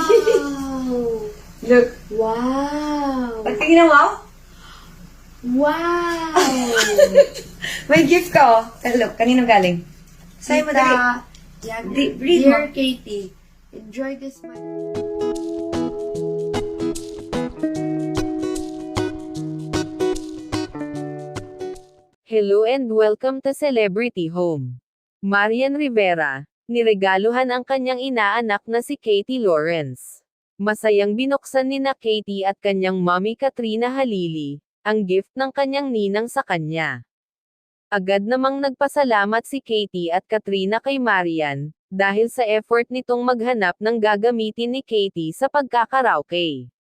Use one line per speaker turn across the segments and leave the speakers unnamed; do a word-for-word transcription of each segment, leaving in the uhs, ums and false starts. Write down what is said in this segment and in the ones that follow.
Look.
Wow!
Pagtingin mo?
Wow!
May gift ka, oh. Look, kanino galing? Sa'yo mo dali.
Yan.
Di- read
Dear
mo.
Katie, enjoy this month.
Hello and welcome to Celebrity Home. Marian Rivera, niregaluhan ang kanyang inaanak na si Katie Lawrence. Masayang binuksan ni na Katie at kanyang mommy Katrina Halili, ang gift ng kanyang ninang sa kanya. Agad namang nagpasalamat si Katie at Katrina kay Marian, dahil sa effort nitong maghanap ng gagamitin ni Katie sa pagkakaraoke.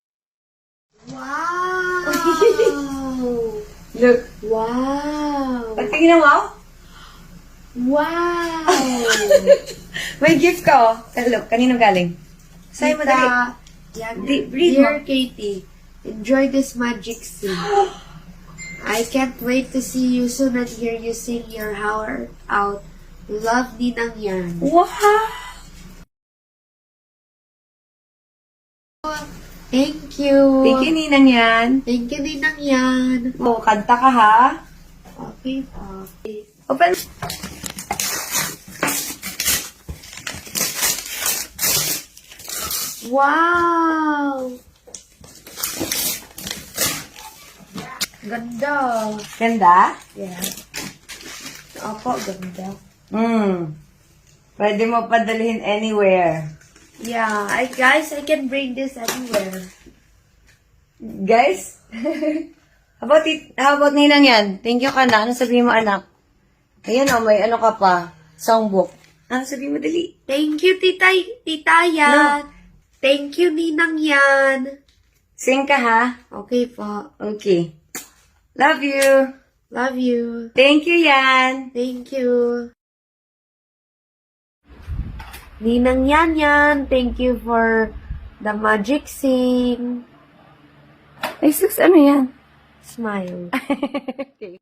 Wow!
Look.
Wow!
Pagtingin mo?
Wow!
May gift ka, oh. Look, kanino galing? Sa'yo mo dali.
Yan.
Di- read
Dear
mo.
Katie, enjoy this magic scene. I can't wait to see you soon and hear you sing your heart out. Love, Ninang Yan.
Wow!
Thank you.
Thank you, Ninang yan.
Thank you, Ninang Yan.
Oh, kanta ka, ha?
Okay, okay.
Open.
Wow! Ganda.
Ganda?
Yeah. Opo, ganda.
Hmm. Pwede mo padalhin anywhere.
Yeah, I guys, I can bring this anywhere.
Guys? how about it, how about Ninang yan? Thank you ka na. Ano sabihin mo, anak? Ayan, oh, may ano ka pa. Songbook. Ano sabihin mo, dali?
Thank you, Tita, Tita Yan. Thank you, Ninang Yan.
Sing ka, ha?
Okay po.
Okay. Love you.
Love you.
Thank you, Yan.
Thank you. Ninang Yan Yan, thank you for the magic sing.
Ay, sus, ano yan?
Smile.